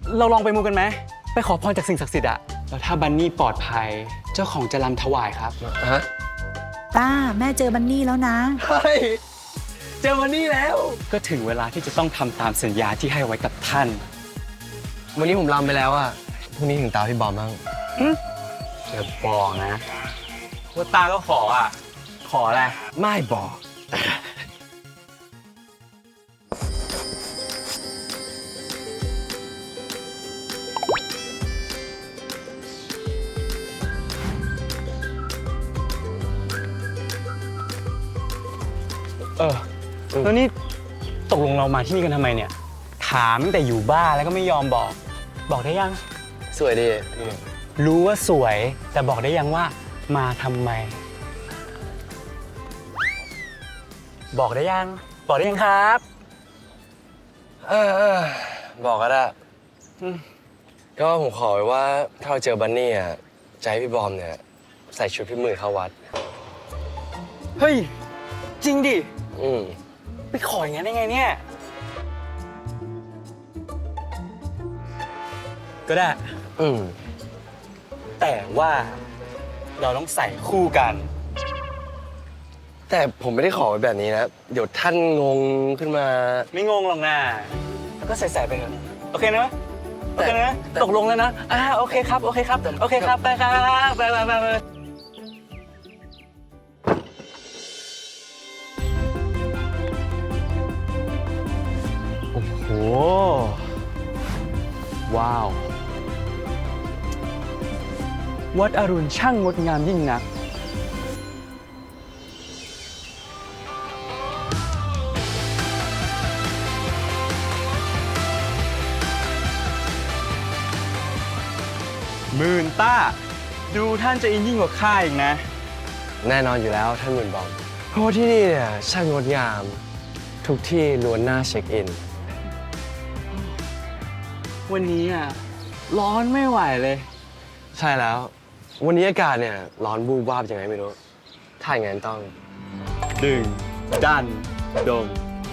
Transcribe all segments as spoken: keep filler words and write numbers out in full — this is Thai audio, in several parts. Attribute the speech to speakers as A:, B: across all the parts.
A: เราลองไปมูกันไหมไปขอพรจากสิ่งศักดิ์สิทธิ์อะแล้วถ้าบันนี่ปลอดภัยเจ้าของจะรำถวายครับ
B: ฮะ
C: ต้าแม่เจอบันนี่แล้วนะ
B: เฮ้ยเจอวันนี้แล้ว
A: ก็ถึงเวลาที่จะต้องทำตามสัญญาที่ให้ไว้กับท่าน
B: วันนี้ผมรำไปแล้วอะพรุ่งนี้ถึงตาพี่บอมบ้าง
A: อย่าบอกนะว่าตาก็ขออ่ะ ขออะไร
B: ไม่บอก
A: เออ แล้วนี่ตกลงเรามาที่นี่กันทำไมเนี่ย ถามตั้งแต่อยู่บ้านแล้วก็ไม่ยอมบอก บอกได้ยัง
B: สวยดี
A: รู้ว่าสวย แต่บอกได้ยังว่ามาทำไม บอกได้ยัง บอกได้ยังครับ
B: เออเออบอกก็ได้
A: อืม
B: ก็ผมขอไว้ว่าถ้าเราเจอบันนี่อะจะให้พี่บอมเนี่ยใส่ชุดพี่หมื่นเข้าวัด
A: เฮ้ย จริงดิ
B: อืม
A: ไปขออย่างนั้นได้ไงเนี่ย ก็ได้
B: อืม
A: แต่ว่าเราต้องใส่คู่กัน
B: แต่ผมไม่ได้ขอไว้แบบนี้นะ เดี๋ยวท่านงงขึ้นมา
A: ไม่งงหรอกนะแล้วก็ใส่ๆไปเถอะโอเคนะโอเคนะ
B: แต่
A: ตกลงแล้วนะอ่าโอเคครับ โอเคครับ โอเคครับ ไปครับ ไปไปไปไปโอ้โห ว้าว วัดอรุณช่างงดงามยิ่งนัก หมื่นต้า ดูท่านจะอินยิ่งกว่าข้าอีกนะ
B: แน่นอนอยู่แล้วท่านหมื่นบอม เพราะว่าที่นี่เนี่ยช่างงดงาม ทุกที่ล้วนน่าเช็คอิน
A: วันนี้อ่ะ ร้อนไม่ไหวเลย
B: ใช่แล้ว วันนี้อากาศเนี่ยร้อนบูบวาบยังไงไม่รู้ ถ้าอย่างนั้นต้อง
A: ดึง ดัน ดม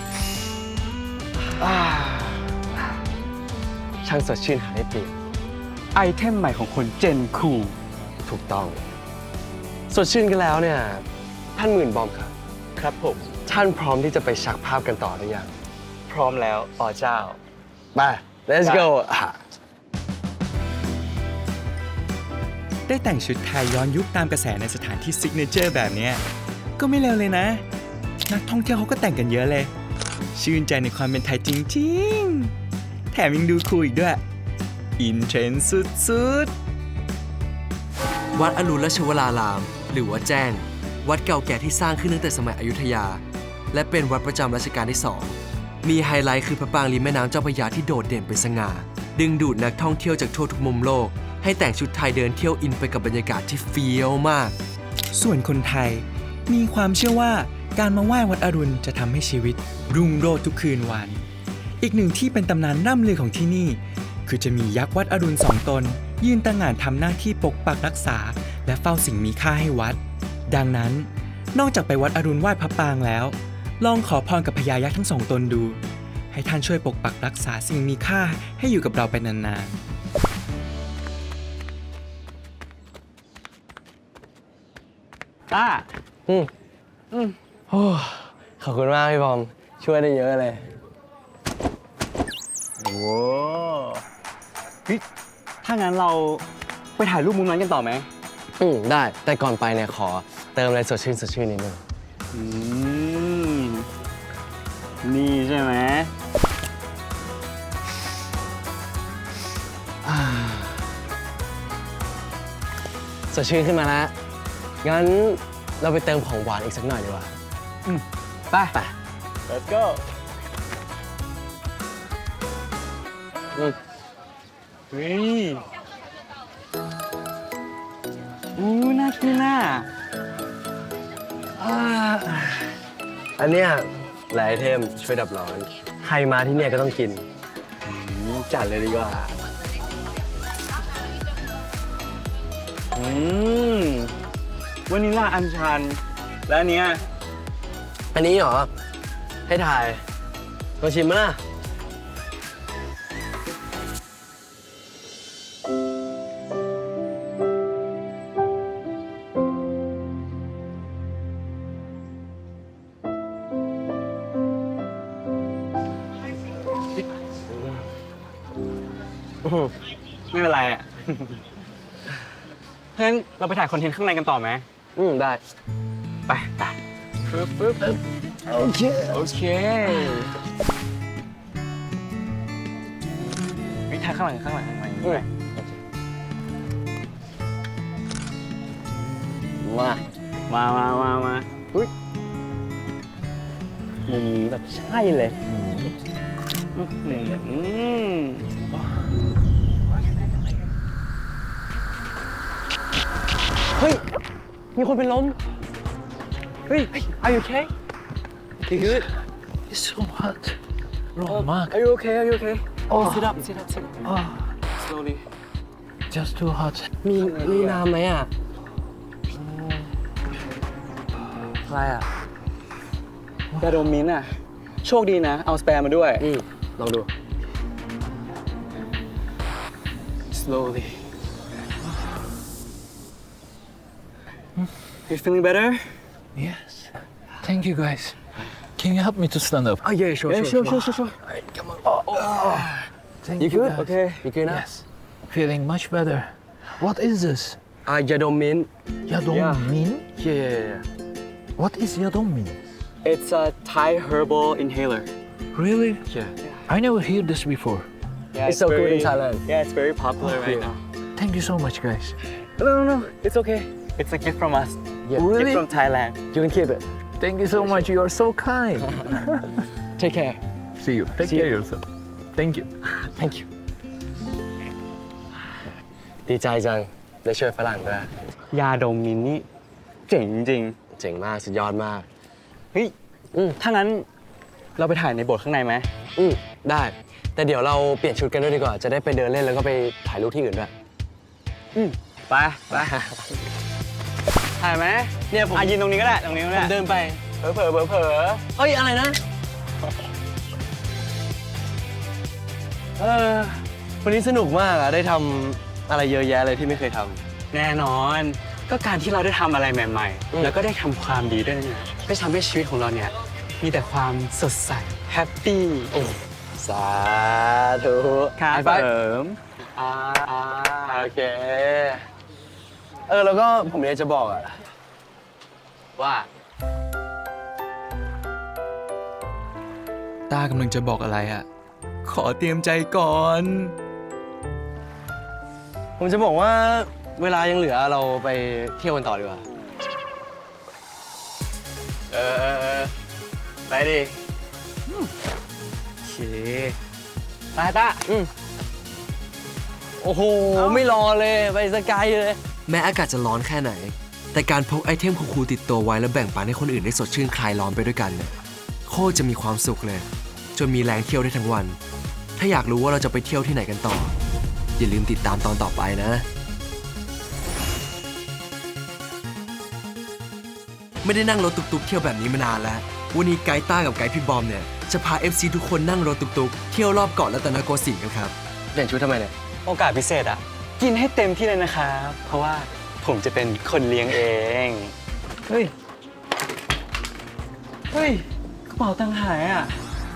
B: อ่าช่างสดชื่นหาได้เปรียบ
A: ไอเทมใหม่ของคนเจนคู
B: ถูกต้อง สดชื่นกันแล้วเนี่ย ท่านหมื่นบอมครับ
A: ครับผม
B: ท่านพร้อมที่จะไปชักภาพกันต่อหรือยัง
A: พร้อมแล้วอ๋อเจ้า
B: ไป let's go อ่ะ
D: ได้แต่งชุดไทยย้อนยุคตามกระแสในสถานที่ซิกเนเจอร์แบบเนี้ยก็ไม่เลวเลยนะ นักท่องเที่ยวเขาก็แต่งกันเยอะเลย ชื่นใจในความเป็นไทยจริงๆ แถมยังดูคูลอีกด้วย อินเทรนด์สุดๆ
E: วัดอรุณราชวราราม หรือวัดแจ้ง วัดเก่าแก่ที่สร้างขึ้นตั้งแต่สมัยอยุธยา และเป็นวัดประจำรัชกาลที่สองมีไฮไลท์คือพระปรางริมแม่น้ำเจ้าพระยาที่โดดเด่นเป็นสง่า ดึงดูดนักท่องเที่ยวจากทั่วทุกมุมโลก ให้แต่งชุดไทยเดินเที่ยวอินไปกับบรรยากาศที่เฟี้ยวมาก
D: ส่วนคนไทยมีความเชื่อว่าการมาไหว้วัดอรุณจะทำให้ชีวิต รุ่งโรจน์ทุกคืนวัน อีกหนึ่งที่เป็นตำนานร่ำลือของที่นี่ คือจะมียักษ์วัดอรุณสองตน ยืนตระหง่านทำหน้าที่ปกปักรักษา และเฝ้าสิ่งมีค่าให้วัด ดังนั้น นอกจากไปวัดอรุณไหว้พระปรางแล้ว ลองขอพรกับพญายักษ์ทั้งสองตนดู ให้ท่านช่วยปกปักรักษาสิ่งมีค่าให้อยู่กับเราไปนานๆ
A: ต้า
B: อืมอืมโอ้ขอบคุณมากพี่บอม ช่วยได้เยอะเลย
A: โอ้เฮ้ยถ้างั้นเราไปถ่ายรูปมุมนั้นกันต่อไหม
B: อืมได้ แต่ก่อนไปเนี่ยขอเติมอะไรสดชื่นสดชื่นนิดนึง
A: อืม นี่ใช่ไหม
B: สดชื่นขึ้นมาแล้ว งั้นเราไปเติมของหวานอีกสักหน่อยดีกว่า
A: ไป
B: ไป
A: let's go
B: อืม
A: เฮ้ยอู้น่ากินน่ะ
B: อ่าอันเนี้ยหลายไอเทมช่วยดับร้อน ใครมาที่เนี่ยก็ต้องกิน
A: อืมจัดเลยดีกว่า อืมวานิลลาอัญชัน และอันเนี้ย
B: อันนี้เหรอ ให้ถ่ายลองชิมมั้ยล่ะอื้อหือ
A: ไม่เป็นไรอ่ะ เพราะฉะนั้นเราไปถ่ายคอนเทนต์ข้างในกันต่อไหม
B: อืมได้
A: ไปไปปึ๊บปึ๊บปึ๊บ
B: โอเค
A: โอเควิถ่ายข้างหลังข้างหลังข้างหลัง
B: อืมมา
A: มามามามาอุ้ยมุมนี้แบบใช่เลยอื้อหือ
B: เฮ้ย มีคนเป็นลม เฮ้ย are you okay you good
F: It's so hot. Wrong mark.
B: are you okay are you okay
F: Oh.
B: sit up sit up sit up
F: Oh,
B: slowly
F: just too hot.
B: มีมีน้ำไหมอ่ะอะไรอ่ะ
A: ยาดมมิ้นท์อ่ะ โชคดีนะ เอาสเปรย์มาด้วย
B: อืมลองดู
A: slowly you feeling better
F: Yes. Thank you, guys. Can you help me to stand up?
B: oh yeah sure
A: yeah
B: sure
A: sure sure sure
F: Come on. Oh, oh. Thank
B: you
F: you,
B: good
F: guys.
A: okay
B: you good นะ
F: Yes. Feeling much better. What is this?
B: อ่ายาดมมิ้นท์
F: Yadong
A: Yeah.
F: Min?
B: yeah yeah yeah
F: What is Yadong Min?
A: it's a Thai herbal inhaler
F: Really?
B: yeah
F: I never heard this before.
A: yeah
B: It's so good in Thailand.
A: yeah it's very popular right now
F: Thank you so much, guys.
A: no no no it's okay it's a gift from us
B: Yeah.
A: gift
F: Really?
A: from Thailand
B: you can keep it
F: Thank you so much. You are so kind.
B: take care
F: See you. Take
B: See
F: care
B: you.
F: of yourself. Thank you.
B: thank you ดีใจจัง ได้ช่วยฝรั่งด้วย
A: ยาดมมิ้นท์นี่เจ๋งจริง
B: เจ๋งมาก สุดยอดมาก
A: เฮ้ย
B: อืม
A: ถ้างั้นเราไปถ่ายในโบสถ์ข้างในไหม
B: อืมได้ แต่เดี๋ยวเราเปลี่ยนชุดกันด้วยดีกว่า จะได้ไปเดินเล่นแล้วก็ไปถ่ายรูปที่อื่นด้วย
A: อืมไปไปถ่ายไหม
B: เนี่ยผม
A: อ่ะยืนตรงนี้ก็ได้ตรงนี้ก็
B: ผ
A: ได้
B: มเดินไป
A: เผลอเผลอเผลอเผลอ
B: เฮ้ย อะไรนะ เออ วันนี้สนุกมากอะได้ทำอะไรเยอะแยะเลยที่ไม่เคยทำ
A: แน่นอน ก็การที่เราได้ทำอะไรใหม่
B: อืม
A: ๆ แล้วก็ได้ทำความดีด้วยนะก็ทำให้ชีวิตของเราเนี่ยมีแต่ความสดใสแฮปปี้
B: สาธุ
A: ครับ
B: ไฮไฟ
A: เส
B: ว์
A: ริม
B: อ่าอ่าโอเค เออ แล้วก็ผมอยากจะบอกอะว่า
D: ต้ากำลังจะบอกอะไรอะขอเตรียมใจก่อน
B: ผมจะบอกว่าเวลายังเหลือเราไปเที่ยวกันต่อดีกว่า เออเออเออไปดิ
A: โอเคตาตา
B: อืมโอ้โห ไม่รอเลย ไปสกายเลย
E: แม้อากาศจะร้อนแค่ไหน แต่การพกไอเทมคูลๆติดตัวไว้แล้วแบ่งปันให้คนอื่นได้สดชื่นคลายร้อนไปด้วยกันเนี่ยโคตรจะมีความสุขเลย จนมีแรงเที่ยวได้ทั้งวัน ถ้าอยากรู้ว่าเราจะไปเที่ยวที่ไหนกันต่อ อย่าลืมติดตามตอนต่อไปนะ ไม่ได้นั่งรถตุกๆเที่ยวแบบนี้มานานแล้ว วันนี้ไกด์ต้ากับไกด์พี่บอมเนี่ยจะพา เอฟ ซี ทุกคนนั่งรถตุกๆเที่ยวรอบเกาะรัตนโกสินทร์กันครับ
B: เปลี่ยนชุดทำไมเนี่ย
A: โอกาสพิเศษอ่ะ กินให้เต็มที่เลยนะครับ เพราะว่าผมจะเป็นคนเลี้ยงเอง เฮ้ย เฮ้ย กระเป๋าตังค์หายอ่ะ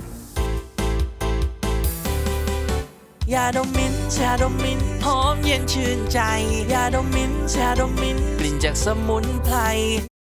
G: ยาดมมิ้นท์ยาดมมิ้นท์หอมเย็นชื่นใจ ยาดมมิ้นท์ยาดมมิ้นท์กลิ่นจากสมุนไพร